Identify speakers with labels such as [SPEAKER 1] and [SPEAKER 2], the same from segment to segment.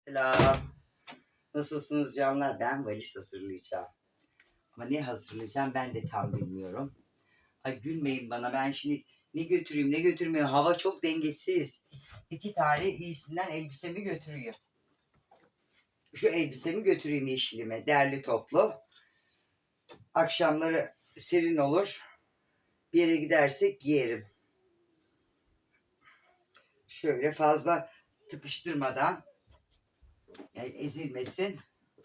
[SPEAKER 1] Selam. Nasılsınız canlar? Ben valiz hazırlayacağım. Ama ne hazırlayacağım ben de tam bilmiyorum. Ay gülmeyin bana. Ben şimdi ne götüreyim ne götürmeyeyim. Hava çok dengesiz. 2 tane iyisinden elbisemi götüreyim. Şu elbisemi götüreyim yeşilime. Derli toplu. Akşamları serin olur. Bir yere gidersek giyerim. Şöyle fazla tıkıştırmadan. Yani ezilmesin.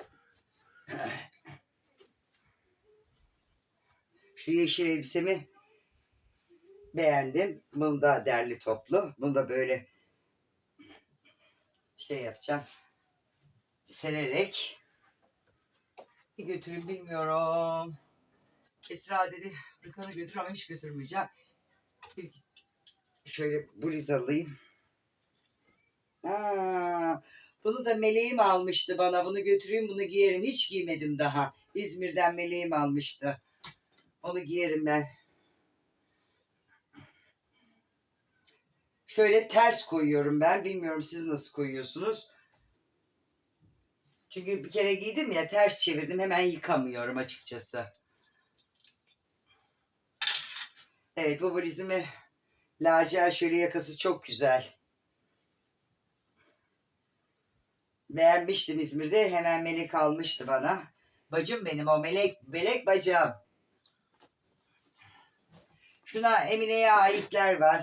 [SPEAKER 1] Şu yeşil elbisemi beğendim. Bunu da derli toplu. Bunu da böyle şey yapacağım. Sererek. Bir götürün bilmiyorum. Esra dedi Rıkan'ı götür ama hiç götürmeyeceğim. Şöyle bluz alayım. Bunu da meleğim almıştı bana. Bunu götüreyim bunu giyerim. Hiç giymedim daha. İzmir'den meleğim almıştı. Onu giyerim ben. Şöyle ters koyuyorum ben. Bilmiyorum siz nasıl koyuyorsunuz. Çünkü bir kere giydim ya ters çevirdim. Hemen yıkamıyorum açıkçası. Evet bu bluzimi lacivert şöyle yakası çok güzel. Beğenmiştim İzmir'de. Hemen melek almıştı bana. Bacım benim o melek bacım. Şuna Emine'ye aitler var.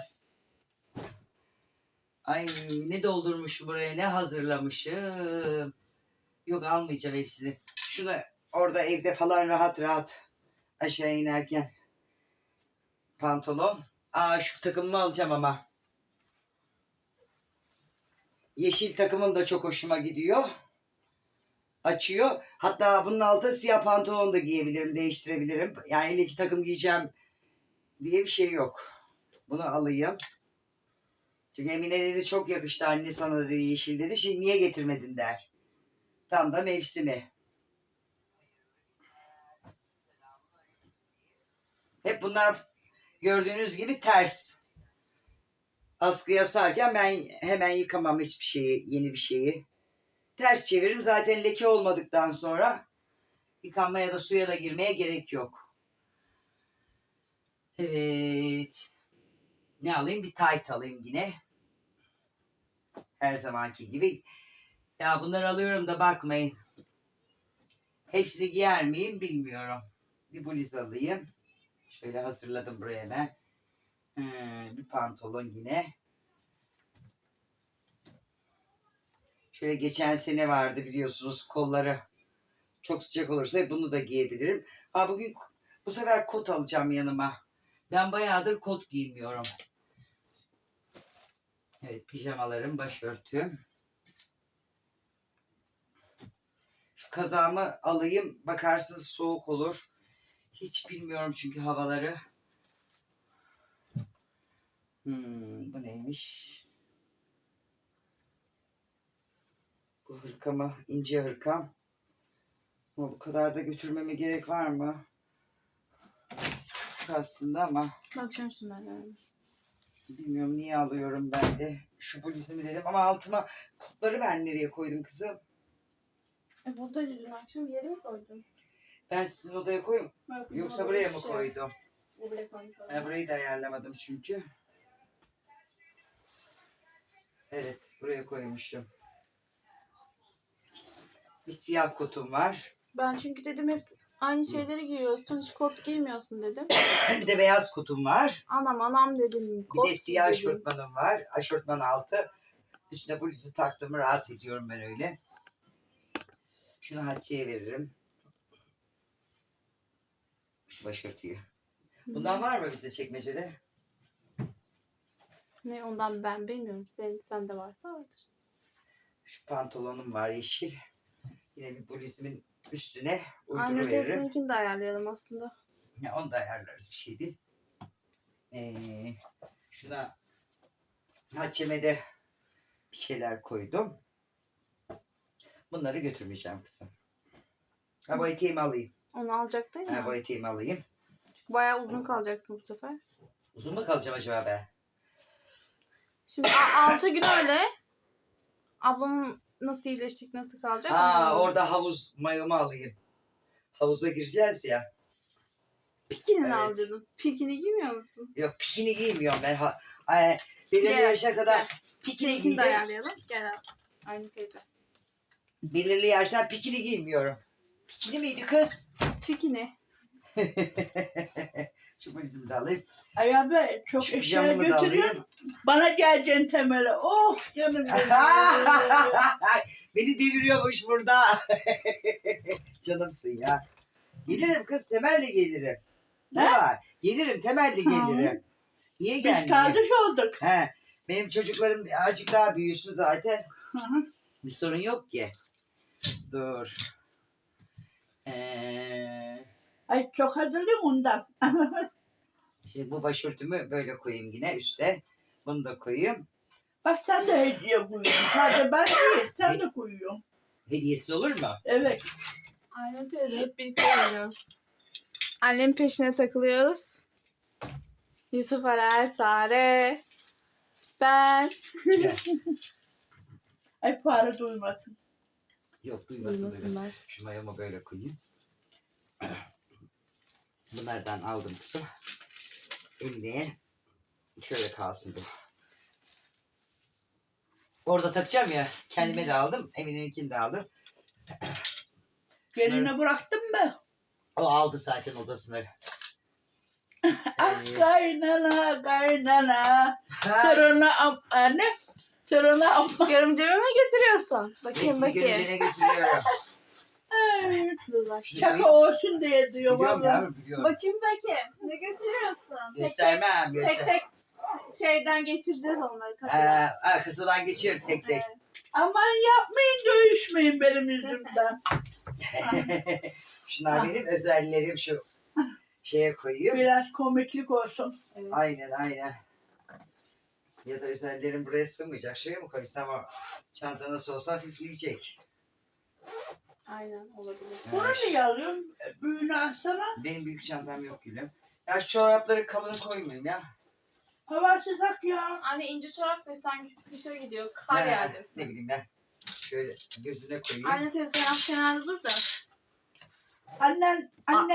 [SPEAKER 1] Ay ne doldurmuşum buraya ne hazırlamışım. Yok almayacağım hepsini. Şuna orada evde falan rahat rahat aşağı inerken pantolon. Şu takımımı alacağım ama. Yeşil takımım da çok hoşuma gidiyor. Açıyor. Hatta bunun altına siyah pantolon da giyebilirim, değiştirebilirim. Yani ile iki takım giyeceğim diye bir şey yok. Bunu alayım. Çünkü Emine dedi çok yakıştı anne sana dedi yeşil dedi. Şimdi niye getirmedin der. Tam da mevsimi. Hep bunlar gördüğünüz gibi ters. Askıya sararken ben hemen yıkamam hiçbir şeyi, yeni bir şeyi. Ters çeviririm. Zaten leke olmadıktan sonra yıkanmaya da suya da girmeye gerek yok. Evet. Ne alayım? Bir tayt alayım yine. Her zamanki gibi. Ya bunları alıyorum da bakmayın. Hepsini giyer miyim bilmiyorum. Bir bluz alayım. Şöyle hazırladım buraya ben. Bir pantolon yine. Şöyle geçen sene vardı biliyorsunuz kolları çok sıcak olursa bunu da giyebilirim. Bugün bu sefer kot alacağım yanıma. Ben bayağıdır kot giymiyorum. Evet pijamalarım, başörtüm. Şu kazağımı alayım. Bakarsınız soğuk olur. Hiç bilmiyorum çünkü havaları. Bu neymiş? Bu hırkamı, ince hırkam. Ama bu kadar da götürmeme gerek var mı? Aslında ama.
[SPEAKER 2] Bakacağım şimdi ben.
[SPEAKER 1] Bilmiyorum niye alıyorum ben de. Şu bluzumu dedim ama altıma kotları ben nereye koydum kızım?
[SPEAKER 2] Buradaydı dün akşam yere mi koydun?
[SPEAKER 1] Ben sizin odaya koyayım. Yoksa buraya mı koydum?
[SPEAKER 2] Buraya koydum.
[SPEAKER 1] Burayı da ayarlamadım çünkü. Evet buraya koymuşum. Bir siyah kotum var.
[SPEAKER 2] Ben çünkü dedim hep aynı şeyleri giyiyorsun. Hiç kot giymiyorsun dedim.
[SPEAKER 1] Bir de beyaz kotum var.
[SPEAKER 2] Anam dedim.
[SPEAKER 1] Bir de siyah aşortmanım var. Aşortman altı. Üstüne bluzu taktığımı rahat ediyorum ben öyle. Şunu Hatice'ye veririm. Şu başörtüyü. Bundan var mı bizde çekmecede?
[SPEAKER 2] Ne ondan ben bilmiyorum. Sende varsa vardır.
[SPEAKER 1] Şu pantolonum var yeşil. Yine bir bluzumun üstüne
[SPEAKER 2] Aynı
[SPEAKER 1] uyduruveririm.
[SPEAKER 2] ötesininkini de ayarlayalım aslında.
[SPEAKER 1] Ya onu da ayarlarız bir şey değil. Şuna Hatice'me de bir şeyler koydum. Bunları götürmeyeceğim kızım. Bu eteğimi alayım.
[SPEAKER 2] Onu alacaktın ya.
[SPEAKER 1] Bu eteğimi alayım.
[SPEAKER 2] Bayağı uzun kalacaksın bu sefer.
[SPEAKER 1] Uzun mu kalacağım acaba ben?
[SPEAKER 2] Şimdi 6 gün öyle. Ablamın nasıl iyileşecek, nasıl kalacak?
[SPEAKER 1] Ha,
[SPEAKER 2] onu
[SPEAKER 1] orada havuz mayomu alayım. Havuza gireceğiz ya.
[SPEAKER 2] Pikinini
[SPEAKER 1] Evet.
[SPEAKER 2] al dedim. Pikini giymiyor musun?
[SPEAKER 1] Yok, pikini giymiyorum ben. Belirli
[SPEAKER 2] Gel,
[SPEAKER 1] yaşa kadar
[SPEAKER 2] gel.
[SPEAKER 1] pikini
[SPEAKER 2] Seninkini de
[SPEAKER 1] giydim.
[SPEAKER 2] ayarlayalım. Gel abi. Aynı teyze.
[SPEAKER 1] Belirli yaştan pikini giymiyorum. Pikini miydi kız?
[SPEAKER 2] Pikini.
[SPEAKER 1] Şu valizimi de alayım.
[SPEAKER 3] Ay abla çok
[SPEAKER 1] Şu
[SPEAKER 3] eşya
[SPEAKER 1] pijamamı da
[SPEAKER 3] götürüyorsun.
[SPEAKER 1] alayım.
[SPEAKER 3] Bana geleceksin temele. Oh canım benim.
[SPEAKER 1] Beni deviriyormuş burada. Canımsın ya. Gelirim kız, temelli gelirim. Ne
[SPEAKER 3] Ne?
[SPEAKER 1] var? Gelirim, temelli gelirim. Niye
[SPEAKER 3] Biz
[SPEAKER 1] gelmeyeyim?
[SPEAKER 3] kardeş olduk.
[SPEAKER 1] He, benim çocuklarım azıcık daha büyüsün zaten.
[SPEAKER 3] Hı hı.
[SPEAKER 1] Bir sorun yok ki. Dur.
[SPEAKER 3] Ay çok hazırım ondan.
[SPEAKER 1] Şimdi bu başörtümü böyle koyayım yine üstte. Bunu da koyayım.
[SPEAKER 3] Bak sen de hediye koyuyorsun. Sadece ben değil. Sen de koyuyorsun.
[SPEAKER 1] Hediyesiz olur mu?
[SPEAKER 3] Evet.
[SPEAKER 2] Aynur teyze hep birlikte geliyoruz. Annemin peşine takılıyoruz. Yusuf Arar, Sare, ben.
[SPEAKER 3] Ay fare duymasın.
[SPEAKER 1] Yok, duymasın.
[SPEAKER 2] Duymasınlar.
[SPEAKER 1] Şu mayomu böyle koyayım. Bunlardan aldım kızım. Emine'ye şöyle kalsın bu. Orada takacağım ya. Kendime de aldım. Emine'ninkini de aldım.
[SPEAKER 3] Geline bıraktın mı?
[SPEAKER 1] O aldı zaten odasını.
[SPEAKER 3] Ah kaynana kaynana. Sırına anne. Sırına amma.
[SPEAKER 2] Görümceme mi götürüyorsun? Bakayım
[SPEAKER 1] Resmi
[SPEAKER 2] bakayım.
[SPEAKER 1] görüncene götürüyorum.
[SPEAKER 3] Ay,
[SPEAKER 2] Dur bak.
[SPEAKER 1] Şunu
[SPEAKER 3] şaka
[SPEAKER 1] koyayım.
[SPEAKER 3] olsun diye diyor
[SPEAKER 1] Biliyorum
[SPEAKER 3] valla.
[SPEAKER 1] yavrum, biliyorum.
[SPEAKER 2] Bakayım bakayım. Ne götürüyorsun?
[SPEAKER 1] Göstermem,
[SPEAKER 2] Tek
[SPEAKER 1] göster.
[SPEAKER 2] tek şeyden geçireceğiz onları kapıdan.
[SPEAKER 1] Arkasından geçir tek tek.
[SPEAKER 2] Evet.
[SPEAKER 3] Aman yapmayın dövüşmeyin benim yüzümden.
[SPEAKER 1] Şunlar benim özellerim, şu şeye koyayım.
[SPEAKER 3] Biraz komiklik olsun.
[SPEAKER 2] Evet.
[SPEAKER 1] Aynen aynen. Ya da özellerim buraya sığmayacak. Şuraya mı koysam o çanta nasıl olsa hafifleyecek.
[SPEAKER 2] Aynen olabilir.
[SPEAKER 3] Bunu niye alıyorsun? Büyüğünü alsana.
[SPEAKER 1] Benim büyük çantam yok gülüm. Ya şu çorapları kalın koymayayım ya.
[SPEAKER 3] Hava sıcak ya.
[SPEAKER 2] Anne ince çorap ve sanki kışa gidiyor. Kar
[SPEAKER 1] Ne
[SPEAKER 2] yağacak.
[SPEAKER 1] bileyim ben. Şöyle gözüne koyayım.
[SPEAKER 2] Anne teyze sen kenarda dur da.
[SPEAKER 3] Annen.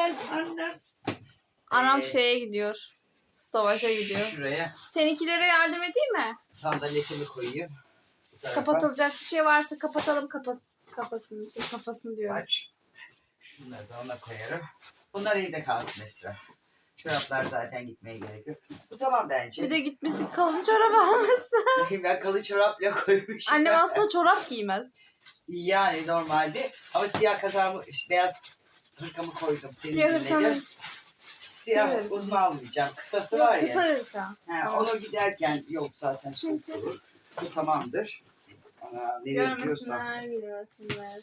[SPEAKER 2] Anam
[SPEAKER 1] Ee,
[SPEAKER 2] şeye gidiyor. Savaşa gidiyor.
[SPEAKER 1] Şuraya
[SPEAKER 2] Seninkilere yardım edeyim mi?
[SPEAKER 1] sandaletimi koyayım. Bu tarafa.
[SPEAKER 2] Kapatılacak bir şey varsa kapatalım kafasını diyor.
[SPEAKER 1] Aç. Şunları da ona koyarım. Bunlar evde kalsın Esra. Çoraplar zaten gitmeye gerek yok. Bu tamam bence.
[SPEAKER 2] Bir de gitmişsin kalın çorap almışsın.
[SPEAKER 1] Ben kalın çorapla koymuşum.
[SPEAKER 2] Annem aslında çorap giymez.
[SPEAKER 1] Yani normalde. Ama siyah kazağımı, işte beyaz hırkamı koydum. Seni
[SPEAKER 2] Siyah
[SPEAKER 1] dinledim.
[SPEAKER 2] hırkanın
[SPEAKER 1] Siyah
[SPEAKER 2] Evet.
[SPEAKER 1] uzun almayacağım. Kısası
[SPEAKER 2] yok
[SPEAKER 1] var
[SPEAKER 2] kısa
[SPEAKER 1] ya.
[SPEAKER 2] hırka.
[SPEAKER 1] Ha, onu giderken yok zaten soğuk olur. Bu tamamdır. Ana, nereye gidiyorsam.
[SPEAKER 2] Görmesinler.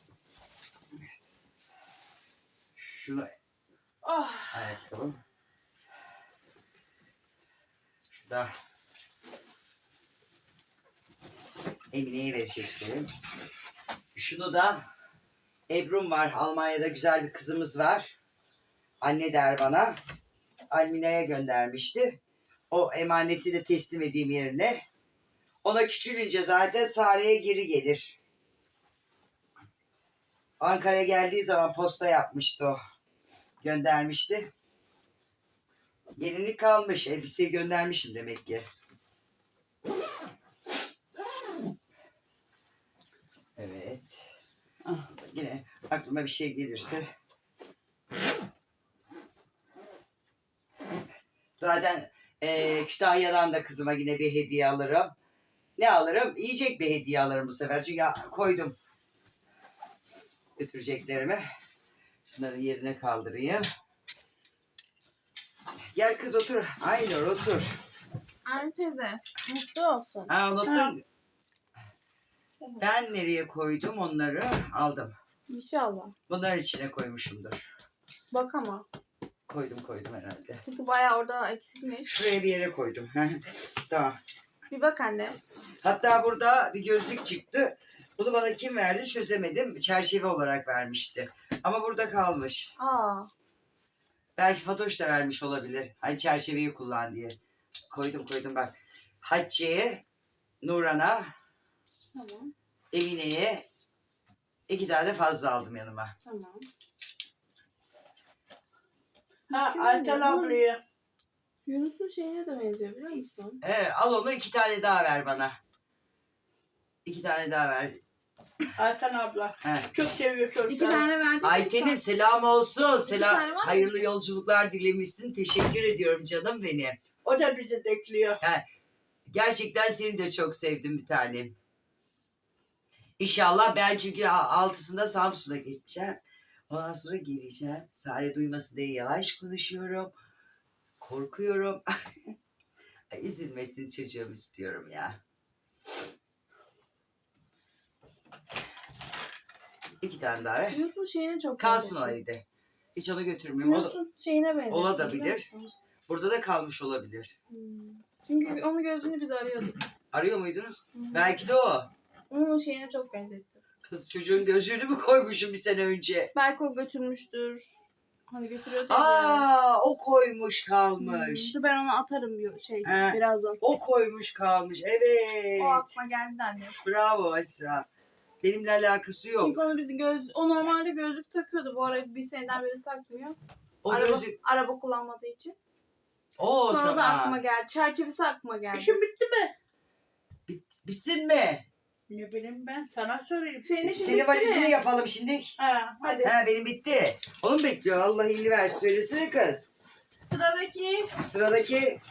[SPEAKER 1] Şunu
[SPEAKER 3] Ah.
[SPEAKER 1] ayakkabım. Şu da Emine'ye vereceklerim. Şunu da Ebru'm var. Almanya'da güzel bir kızımız var. Anne der bana. Almina'ya göndermişti. O emaneti de teslim edeyim yerine. Ona küçülünce zaten Sare'ye geri gelir. Ankara'ya geldiği zaman posta yapmıştı o. Göndermişti. Yenilik kalmış. Elbiseyi göndermişim demek ki. Evet. Yine aklıma bir şey gelirse. Zaten Kütahya'dan da kızıma yine bir hediye alırım. Ne alırım? Yiyecek bir hediye alırım bu sefer. Çünkü koydum götüreceklerimi. Şunları yerine kaldırayım. Gel kız otur. Aynur otur.
[SPEAKER 2] Anne teyze mutlu olsun.
[SPEAKER 1] Ha, unuttun. Ben nereye koydum onları? Aldım.
[SPEAKER 2] İnşallah.
[SPEAKER 1] Bunların içine koymuşumdur.
[SPEAKER 2] Bak ama.
[SPEAKER 1] Koydum herhalde.
[SPEAKER 2] Çünkü bayağı orada eksikmiş.
[SPEAKER 1] Şuraya bir yere koydum. Tamam.
[SPEAKER 2] Bir bak anne.
[SPEAKER 1] Hatta burada bir gözlük çıktı. Bunu bana kim verdi çözemedim. Çerçeve olarak vermişti. Ama burada kalmış.
[SPEAKER 2] Aa.
[SPEAKER 1] Belki Fatoş da vermiş olabilir. Hani çerçeveyi kullan diye. Koydum bak. Hatice'ye, Nuran'a,
[SPEAKER 2] Tamam.
[SPEAKER 1] Emine'ye 2 tane fazla aldım yanıma.
[SPEAKER 2] Tamam.
[SPEAKER 3] Ha Ayten ablaya.
[SPEAKER 2] Yunus'un şeyine de benziyor biliyor musun?
[SPEAKER 1] Al onu 2 tane daha ver bana. 2 tane daha ver.
[SPEAKER 3] Ayten abla.
[SPEAKER 1] He.
[SPEAKER 3] Çok seviyor
[SPEAKER 2] 2
[SPEAKER 3] çocukları.
[SPEAKER 2] tane verdik.
[SPEAKER 1] Ayten'im selam olsun.
[SPEAKER 2] tane
[SPEAKER 1] Selam.
[SPEAKER 2] var mı?
[SPEAKER 1] Hayırlı yolculuklar dilemişsin. Teşekkür ediyorum canım benim.
[SPEAKER 3] O da bizi bekliyor.
[SPEAKER 1] Gerçekten seni de çok sevdim bir tanem. İnşallah ben çünkü 6'sında Samsun'a geçeceğim. Ondan sonra geleceğim. Sare duymasın diye yavaş konuşuyorum. Korkuyorum. Ay, üzülmesin çocuğum istiyorum ya. 2 tane daha ver.
[SPEAKER 2] Yunus'un şeyine çok
[SPEAKER 1] Kalsın o
[SPEAKER 2] benziyor.
[SPEAKER 1] evde. Hiç onu götürmüyorum.
[SPEAKER 2] Yunus'un şeyine benziyor.
[SPEAKER 1] olabilir.
[SPEAKER 2] biliyor musun?
[SPEAKER 1] Burada da kalmış olabilir.
[SPEAKER 2] Çünkü onun gözünü biz arıyorduk.
[SPEAKER 1] Arıyor muydunuz?
[SPEAKER 2] Hı hı.
[SPEAKER 1] Belki de o.
[SPEAKER 2] Onun şeyine çok benzetti.
[SPEAKER 1] Kız çocuğun gözlüğünü mü koymuşum bir sene önce?
[SPEAKER 2] Belki o götürmüştür. Hani götürüyordu ya.
[SPEAKER 1] O koymuş kalmış.
[SPEAKER 2] Dur ben onu atarım bir şey
[SPEAKER 1] He.
[SPEAKER 2] birazdan.
[SPEAKER 1] O koymuş kalmış. Evet.
[SPEAKER 2] O aklıma geldi de anne.
[SPEAKER 1] Bravo Esra. Benimle alakası yok.
[SPEAKER 2] Çünkü onu o normalde gözlük takıyordu. Bu ara bir seneden beri takmıyor.
[SPEAKER 1] O
[SPEAKER 2] araba,
[SPEAKER 1] gözlük.
[SPEAKER 2] araba kullanmadığı için.
[SPEAKER 1] O
[SPEAKER 2] Sonra
[SPEAKER 1] sana.
[SPEAKER 2] da aklıma geldi. Çerçevesi aklıma geldi.
[SPEAKER 3] İşin bitti mi?
[SPEAKER 1] Bitsin mi?
[SPEAKER 3] Ne bileyim ben. Sana sorayım.
[SPEAKER 2] Senin işin
[SPEAKER 1] Senin
[SPEAKER 2] bitti
[SPEAKER 1] valizini
[SPEAKER 2] mi?
[SPEAKER 1] yapalım şimdi.
[SPEAKER 3] Ha hadi.
[SPEAKER 1] Benim bitti. Onu mu bekliyor? Allah iyiliğini versin. Söylesene kız.
[SPEAKER 2] Sıradaki
[SPEAKER 1] Sıradaki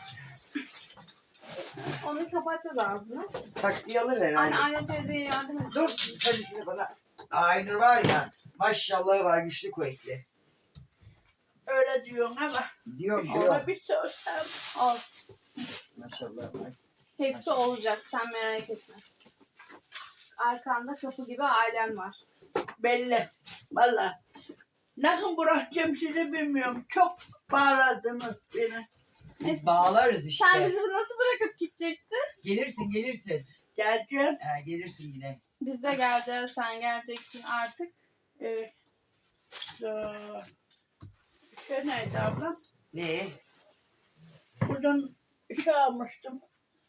[SPEAKER 2] onu kapatacağız ağzını.
[SPEAKER 1] taksiyi alır herhalde.
[SPEAKER 2] Aynen teyzeye yardım et.
[SPEAKER 1] Dur sarısını bana. Aynur var ya. Maşallah var güçlü kuvvetli.
[SPEAKER 3] Öyle diyorsun ama.
[SPEAKER 1] Diyorum
[SPEAKER 3] Ona bir sorsam.
[SPEAKER 2] Olsun.
[SPEAKER 1] Maşallah var.
[SPEAKER 2] Hepsi olacak. Sen merak etme. Arkanda kapı gibi ailem var.
[SPEAKER 3] Belli. Valla. Nasıl bırakacağım sizi bilmiyorum. Çok bağladınız beni.
[SPEAKER 1] Biz bağlarız işte.
[SPEAKER 2] Sen bizi nasıl bırakıp gideceksin?
[SPEAKER 1] Gelirsin.
[SPEAKER 3] Geleceğim.
[SPEAKER 1] Gelirsin yine.
[SPEAKER 2] Biz de geleceğiz. Sen geleceksin artık.
[SPEAKER 3] Evet. Şey neydi ablam?
[SPEAKER 1] Ne?
[SPEAKER 3] Buradan şey almıştım.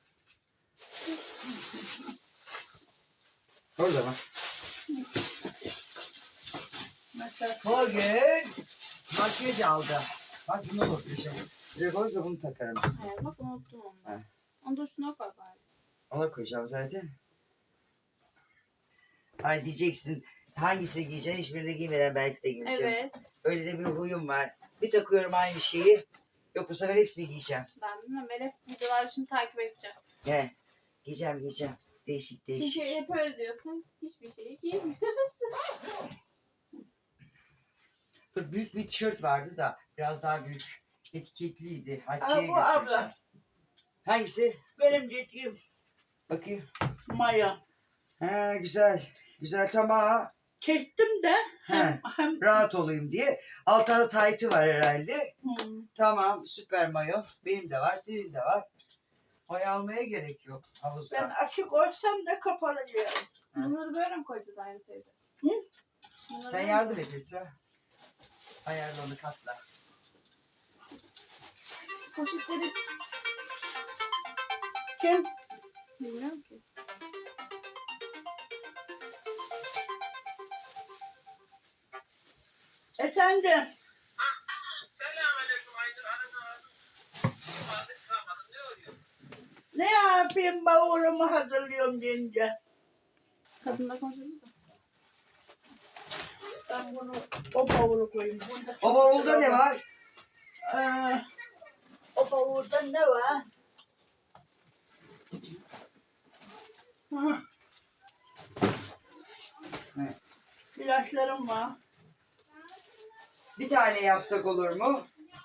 [SPEAKER 1] Orada bak.
[SPEAKER 3] Mesela
[SPEAKER 1] Bugün makyaj aldı. Bak bunu unutmuşum. Sıra koysa bunu takarım.
[SPEAKER 2] Evet, bak unuttum onu.
[SPEAKER 1] He.
[SPEAKER 2] Onu da şuna koy bari.
[SPEAKER 1] Ona koyacağım zaten. Ay diyeceksin hangisini giyeceksin hiçbirini giymeden belki de giyeceğim.
[SPEAKER 2] Evet.
[SPEAKER 1] Öyle de bir huyum var. Bir takıyorum aynı şeyi. Yok bu sefer hepsini giyeceğim.
[SPEAKER 2] Ben bilmem. Ben hep videoları şimdi takip edeceğim.
[SPEAKER 1] He. Giyeceğim. Değişik.
[SPEAKER 2] Çünkü hep öyle diyorsun. Hiçbir şeyi giymiyorsun.
[SPEAKER 1] Dur, büyük bir tişört vardı da biraz daha büyük. Etiketliydi.
[SPEAKER 3] Aa,
[SPEAKER 1] Hatice'ye
[SPEAKER 3] bu
[SPEAKER 1] götüreceğim.
[SPEAKER 3] abla.
[SPEAKER 1] Hangisi?
[SPEAKER 3] Benim dediğim
[SPEAKER 1] Bakayım.
[SPEAKER 3] maya.
[SPEAKER 1] Ha güzel. Güzel tamam.
[SPEAKER 3] Çektim de
[SPEAKER 1] He.
[SPEAKER 3] hem
[SPEAKER 1] Rahat olayım diye. Altında da taytı var herhalde.
[SPEAKER 3] hmm,
[SPEAKER 1] Tamam süper mayo. Benim de var senin de var. Mayo almaya gerek yok havuzda.
[SPEAKER 3] ben açık olsam da kapalı diyorum.
[SPEAKER 2] Bunları böyle mi koyacağız aynı teyze?
[SPEAKER 3] Hı?
[SPEAKER 2] Bunları
[SPEAKER 1] Sen
[SPEAKER 2] böyle mi
[SPEAKER 1] yardım et Esra. Ayarla onu katla.
[SPEAKER 2] Poşetleri
[SPEAKER 3] Kim?
[SPEAKER 2] bilmiyorum ki.
[SPEAKER 3] Efendim.
[SPEAKER 4] Selamünaleyküm Aydın Hanım. Fazla çıkamadım. Ne oluyor?
[SPEAKER 3] Ne yapayım bavulumu hazırlıyorum deyince.
[SPEAKER 2] Kadınla konuşuyoruz da.
[SPEAKER 3] Ben bunu o bavulu koyayım. Bunda çok
[SPEAKER 1] O bavulda ne var?
[SPEAKER 3] O bavulda ne var? Hı.
[SPEAKER 1] Ne?
[SPEAKER 3] İlaçlarım var.
[SPEAKER 1] Bir tane yapsak olur mu?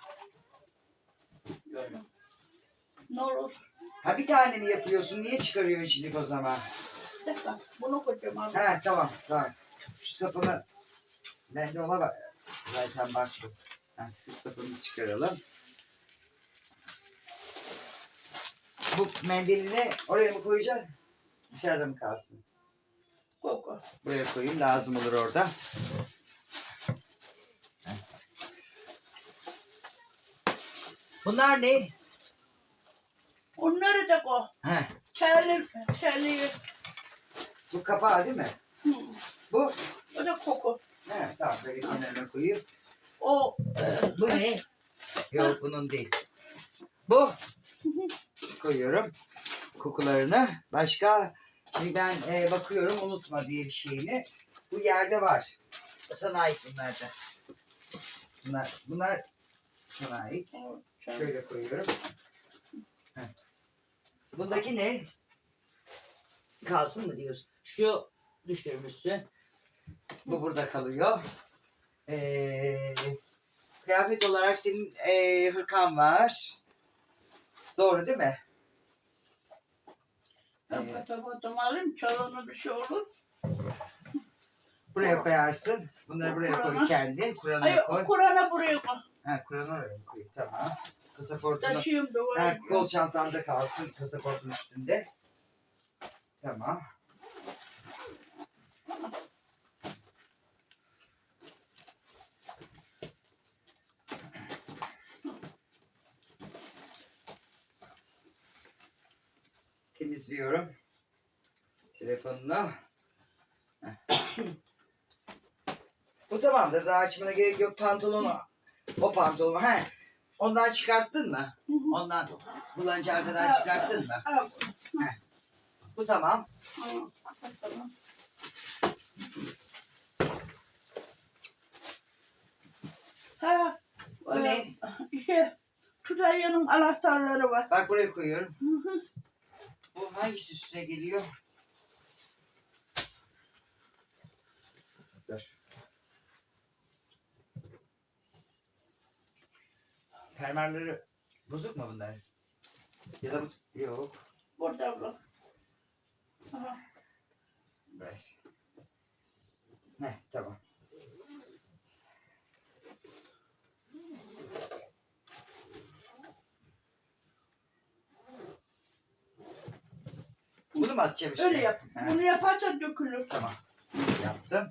[SPEAKER 3] Ne olur?
[SPEAKER 1] Ha bir tane mi yapıyorsun? Niye çıkarıyorsun şimdi o zaman?
[SPEAKER 3] Bir dakika. Bunu koyacağım abi.
[SPEAKER 1] He tamam. Şu sapını ben de ona bak. Zaten baktım. Şu sapını çıkaralım. Bu mendilini oraya mı koyacaksın? Dışarıda mı kalsın?
[SPEAKER 3] Koku.
[SPEAKER 1] Buraya koyayım lazım olur orada. Bunlar ne?
[SPEAKER 3] Onları da koy.
[SPEAKER 1] He.
[SPEAKER 3] Terli
[SPEAKER 1] Bu kapağı değil mi?
[SPEAKER 3] Hı.
[SPEAKER 1] Bu?
[SPEAKER 3] O da koku.
[SPEAKER 1] He, tamam böyle kenarına koyayım.
[SPEAKER 3] O
[SPEAKER 1] Bu ne? Yok bunun değil. Bu. Koyuyorum kokularını. Başka? Şimdi ben bakıyorum unutma diye bir şeyini. Bu yerde var. Sana ait bunlar da. Bunlar sana ait. Şöyle koyuyorum. Heh. Bundaki ne? Kalsın mı diyorsun? Şu düşürmüşsün. Bu burada kalıyor. Kıyafet olarak senin hırkan var. Doğru değil mi?
[SPEAKER 3] Fotoğrafımı alayım. Çalanı bir şey olur.
[SPEAKER 1] Buraya koyarsın. Bunları buraya koy
[SPEAKER 3] Kur'an'a.
[SPEAKER 1] kendi. Kur'an'a
[SPEAKER 3] Ay
[SPEAKER 1] koy.
[SPEAKER 3] o Kur'an'a buraya koy.
[SPEAKER 1] Ha, Kur'an'a oraya koy. Tamam. Pasaportunu.
[SPEAKER 3] Taşıyayım da
[SPEAKER 1] Ha, kol çantanda kalsın pasaportun üstünde. Tamam. Temizliyorum. Telefonunu. Heh. Bu tamamdır. Daha açmana gerek yok. Pantolonu. O pantolonu. He. Ondan çıkarttın mı? Ondan kullanıcı arkadan çıkarttın mı?
[SPEAKER 3] Al.
[SPEAKER 1] Heh. Bu tamam.
[SPEAKER 3] Tamam. Ha.
[SPEAKER 1] Bu ne?
[SPEAKER 3] İşte Tutalya'nın anahtarları var.
[SPEAKER 1] Bak buraya koyuyorum. Bu hangisi üstüne geliyor? Dur. Fermuarları bozuk mu bunlar? Ya da bu... Yok.
[SPEAKER 3] Burada bu. Aha.
[SPEAKER 1] Ver. Heh, tamam. Bunu mu atacağım üstüne?
[SPEAKER 3] Öyle yap.
[SPEAKER 1] He,
[SPEAKER 3] Bunu yaparsa dökülür.
[SPEAKER 1] tamam. Yaptım.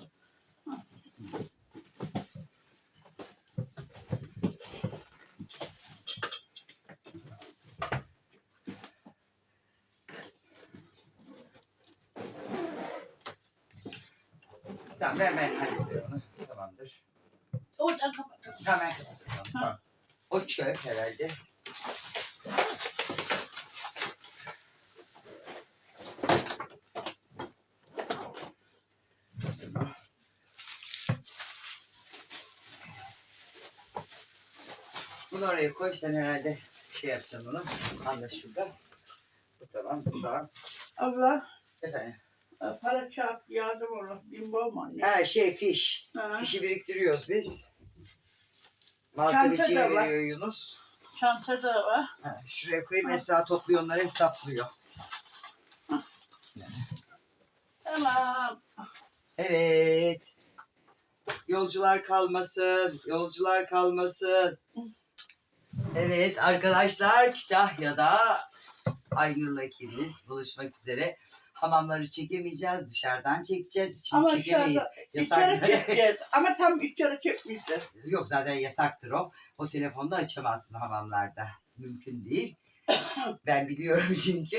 [SPEAKER 1] Tamam ben hallediyorum onu. Tamamdır.
[SPEAKER 3] Oradan kapat.
[SPEAKER 1] Hemen kapatalım. Tamam. O çöp herhalde. Tamam. Bunu oraya koy sen herhalde şey yapacaksın onu. Anlaşıldı. Bu tamam. Bu tamam.
[SPEAKER 3] Abla
[SPEAKER 1] Efendim.
[SPEAKER 3] para çarp yardım olur. Bimbo mu anne?
[SPEAKER 1] Ha fiş.
[SPEAKER 3] Ha.
[SPEAKER 1] Fişi biriktiriyoruz biz.
[SPEAKER 3] Çanta
[SPEAKER 1] Muhasebeciye
[SPEAKER 3] da var.
[SPEAKER 1] veriyor Yunus.
[SPEAKER 3] Çanta da var.
[SPEAKER 1] Ha, şuraya koyayım mesela topluyor onları hesaplıyor.
[SPEAKER 3] Tamam.
[SPEAKER 1] Evet. Yolcular kalmasın. Yolcular kalmasın. Evet arkadaşlar Kütahya'da Aynur'la ikimiz buluşmak üzere. Hamamları çekemeyeceğiz. Dışarıdan çekeceğiz. İçini
[SPEAKER 3] Ama
[SPEAKER 1] çekemeyiz.
[SPEAKER 3] dışarıda
[SPEAKER 1] Yasak.
[SPEAKER 3] içeri çekeceğiz. Ama tam içeri çekmeyeceğiz.
[SPEAKER 1] Yok zaten yasaktır o. O telefonda açamazsın hamamlarda. Mümkün değil. Ben biliyorum çünkü.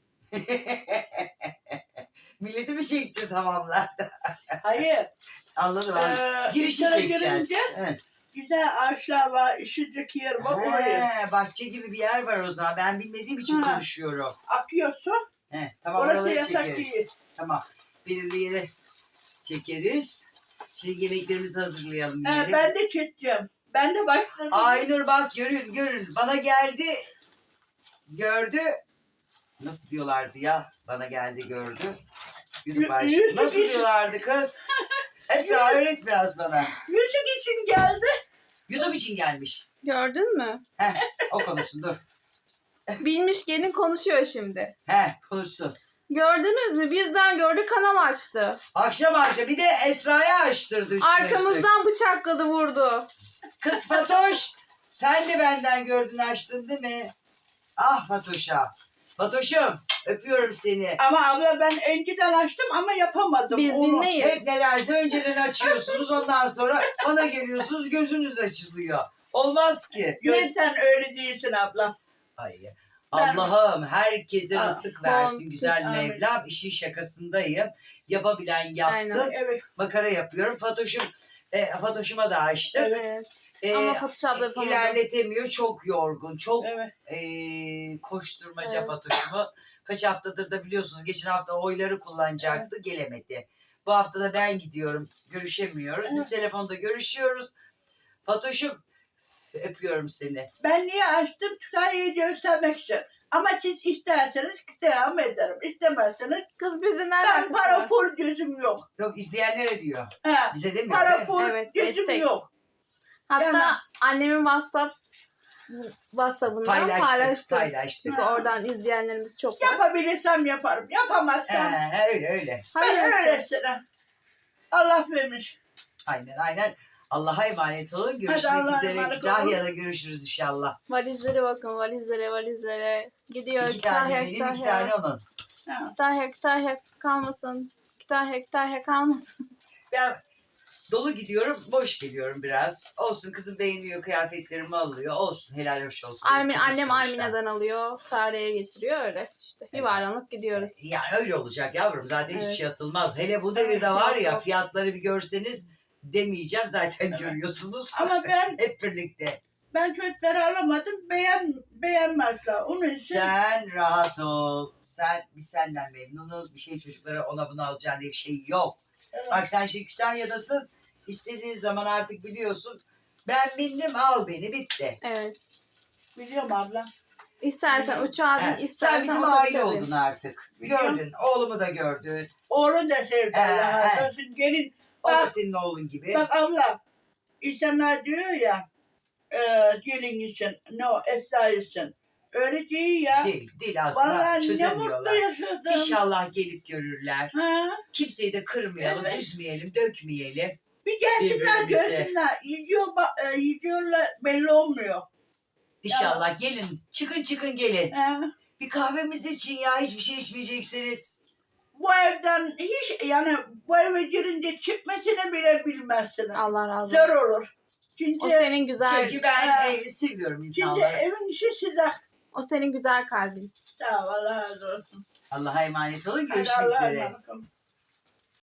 [SPEAKER 1] Milleti mi çekeceğiz hamamlarda?
[SPEAKER 3] Hayır.
[SPEAKER 1] Anladım abi. Girişi
[SPEAKER 3] içeri
[SPEAKER 1] çekeceğiz.
[SPEAKER 3] girince
[SPEAKER 1] Evet.
[SPEAKER 3] güzel ağaçlar var. İşecek yer var oraya.
[SPEAKER 1] He, bahçe gibi bir yer var o zaman. Ben bilmediğim için
[SPEAKER 3] Ha.
[SPEAKER 1] konuşuyorum.
[SPEAKER 3] Akıyor su.
[SPEAKER 1] He, tamam
[SPEAKER 3] Orası
[SPEAKER 1] oraları
[SPEAKER 3] yasak
[SPEAKER 1] çekeriz.
[SPEAKER 3] değil.
[SPEAKER 1] Tamam. Belirli yere çekeriz. Şimdi yemeklerimizi hazırlayalım.
[SPEAKER 3] He,
[SPEAKER 1] yiyelim.
[SPEAKER 3] ben de çekeceğim. Ben de başladım.
[SPEAKER 1] Aynur bak görün. Bana geldi. Gördü. Nasıl diyorlardı ya? Bana geldi gördü. Yürü baş.
[SPEAKER 3] Yüzük
[SPEAKER 1] Nasıl
[SPEAKER 3] için.
[SPEAKER 1] diyorlardı kız? Esra öğret biraz bana.
[SPEAKER 3] Yüzük için geldi.
[SPEAKER 1] YouTube için gelmiş.
[SPEAKER 2] Gördün mü?
[SPEAKER 1] Heh, o konuşsun dur.
[SPEAKER 2] Bilmiş gelin konuşuyor şimdi.
[SPEAKER 1] Konuşsun.
[SPEAKER 2] Gördünüz mü? Bizden gördü kanal açtı.
[SPEAKER 1] Akşam bir de Esra'ya açtırdı üstüne üstlük.
[SPEAKER 2] Arkamızdan bıçakladı vurdu.
[SPEAKER 1] Kız Fatoş sen de benden gördün açtın değil mi? Ah Fatoş'a. Fatoş'um öpüyorum seni.
[SPEAKER 3] Ama abla ben önceden açtım ama yapamadım.
[SPEAKER 2] Biz
[SPEAKER 3] onu.
[SPEAKER 2] bilmeyiz.
[SPEAKER 1] Hep nelerse önceden açıyorsunuz ondan sonra bana geliyorsunuz gözünüz açılıyor. Olmaz ki.
[SPEAKER 3] Yok, sen öyle değilsin abla.
[SPEAKER 1] Hayır. Allah'ım herkese
[SPEAKER 3] Ah,
[SPEAKER 1] rızık versin
[SPEAKER 2] bol,
[SPEAKER 1] güzel
[SPEAKER 3] amin.
[SPEAKER 1] Mevlam. İşin şakasındayım. Yapabilen yapsın.
[SPEAKER 2] Aynen.
[SPEAKER 3] Evet.
[SPEAKER 1] Makara yapıyorum. Fatoş'uma da açtık.
[SPEAKER 2] Evet. Ama Fatoş abla yapamadı.
[SPEAKER 1] İlerletemiyor. Çok yorgun. Çok
[SPEAKER 3] Evet.
[SPEAKER 1] koşturmaca
[SPEAKER 2] Evet.
[SPEAKER 1] Fatoş'umu. Kaç haftadır da biliyorsunuz geçen hafta oyları kullanacaktı. Gelemedi. Bu hafta da ben gidiyorum. Görüşemiyoruz. Biz telefonda görüşüyoruz. Fatoş'um öpüyorum seni.
[SPEAKER 3] Ben niye açtım? Kütahya'yı göstermek için. Ama siz isterseniz devam ederim. İstemezseniz
[SPEAKER 2] Kız bizi nereden
[SPEAKER 3] ben para
[SPEAKER 2] kısmı?
[SPEAKER 3] pul gözüm yok.
[SPEAKER 1] Yok izleyenlere diyor.
[SPEAKER 3] Ha,
[SPEAKER 1] Bize demiyor.
[SPEAKER 3] para
[SPEAKER 1] değil mi?
[SPEAKER 3] pul
[SPEAKER 2] Evet,
[SPEAKER 3] gözüm
[SPEAKER 2] destek.
[SPEAKER 3] yok.
[SPEAKER 2] Hatta
[SPEAKER 3] Yani-
[SPEAKER 2] annemin WhatsApp'ından paylaştık.
[SPEAKER 1] Paylaştık.
[SPEAKER 2] Çünkü oradan izleyenlerimiz çok var.
[SPEAKER 3] Yapabilirsem yaparım. Yapamazsam
[SPEAKER 1] Öyle.
[SPEAKER 3] ben
[SPEAKER 2] Hayırlısı.
[SPEAKER 3] öylesine. Allah vermiş.
[SPEAKER 1] Aynen. Allah'a emanet olun. Görüşmek
[SPEAKER 3] Allah'a
[SPEAKER 1] üzere.
[SPEAKER 3] emanet olun.
[SPEAKER 1] Kütahya'da görüşürüz inşallah.
[SPEAKER 2] Valizlere bakın, valizlere. Gidiyor
[SPEAKER 1] 2 tane benim, 2 tane onun.
[SPEAKER 3] Ha.
[SPEAKER 2] Kütahya kalmasın. Kütahya kalmasın.
[SPEAKER 1] Ben dolu gidiyorum, boş geliyorum biraz. Olsun kızım beğeniyor, kıyafetlerimi alıyor. Olsun, helal hoş olsun. Kızım
[SPEAKER 2] Annem
[SPEAKER 1] sonuçta.
[SPEAKER 2] Armine'den alıyor. Sare'ye getiriyor öyle işte. Yuvarlanıp gidiyoruz.
[SPEAKER 1] Yani öyle olacak yavrum. Zaten hiçbir
[SPEAKER 2] Evet.
[SPEAKER 1] şey atılmaz. Hele bu devirde var ya
[SPEAKER 2] Yok.
[SPEAKER 1] fiyatları bir görseniz demeyeceğim. Zaten görüyorsunuz.
[SPEAKER 3] Ama
[SPEAKER 1] Hep birlikte.
[SPEAKER 3] ben çocukları alamadım. Beğenmezler. Onun için
[SPEAKER 1] Sen rahat ol. Biz senden memnunuz. Bir şey çocuklara ona bunu alacağın diye bir şey yok.
[SPEAKER 3] evet,
[SPEAKER 1] Bak sen şimdi Kütahya'dasın. İstediğin zaman artık biliyorsun. Ben bindim al beni bitti.
[SPEAKER 2] Evet.
[SPEAKER 3] biliyorum abla.
[SPEAKER 2] İstersen uçağa bin,
[SPEAKER 1] He,
[SPEAKER 2] istersen
[SPEAKER 1] sen bizim
[SPEAKER 2] otobüse
[SPEAKER 1] aile
[SPEAKER 2] bin.
[SPEAKER 1] oldun artık.
[SPEAKER 3] Biliyorum.
[SPEAKER 1] Gördün. Oğlumu da gördün.
[SPEAKER 3] Oğlum da sevdi Allah'a
[SPEAKER 1] he.
[SPEAKER 3] razı olsun. Gelin.
[SPEAKER 1] O da
[SPEAKER 3] Bak,
[SPEAKER 1] senin oğlun gibi.
[SPEAKER 3] bak abla. İnsanlar diyor ya gelin için, no, Esra için. Öyle değil ya.
[SPEAKER 1] Değil aslında
[SPEAKER 3] Vallahi ne mutlu
[SPEAKER 1] çözemiyorlar.
[SPEAKER 3] yaşadım.
[SPEAKER 1] İnşallah gelip görürler.
[SPEAKER 3] Ha?
[SPEAKER 1] Kimseyi de kırmayalım,
[SPEAKER 3] Evet.
[SPEAKER 1] üzmeyelim, dökmeyelim.
[SPEAKER 3] Bir gelsinler
[SPEAKER 1] Birbirimize.
[SPEAKER 3] görsünler. Yiyorlar belli olmuyor.
[SPEAKER 1] İnşallah gelin. Çıkın gelin.
[SPEAKER 3] Ha?
[SPEAKER 1] Bir kahvemiz için ya hiçbir şey içmeyeceksiniz.
[SPEAKER 3] Bu evden hiç yani bu eve girince çıkmasını bile bilmezsiniz.
[SPEAKER 2] Allah razı olsun.
[SPEAKER 3] Zor olur. Çünkü,
[SPEAKER 2] O senin güzel,
[SPEAKER 1] Çünkü ben
[SPEAKER 3] Ha.
[SPEAKER 1] seviyorum
[SPEAKER 3] çünkü
[SPEAKER 1] insanları.
[SPEAKER 3] evin işi size.
[SPEAKER 2] o senin güzel kalbin.
[SPEAKER 3] Sağ ol, Allah razı olsun.
[SPEAKER 1] Allah'a emanet olun.
[SPEAKER 3] Hadi
[SPEAKER 1] Görüşmek
[SPEAKER 3] Allah'a
[SPEAKER 1] üzere.
[SPEAKER 3] emanet olun.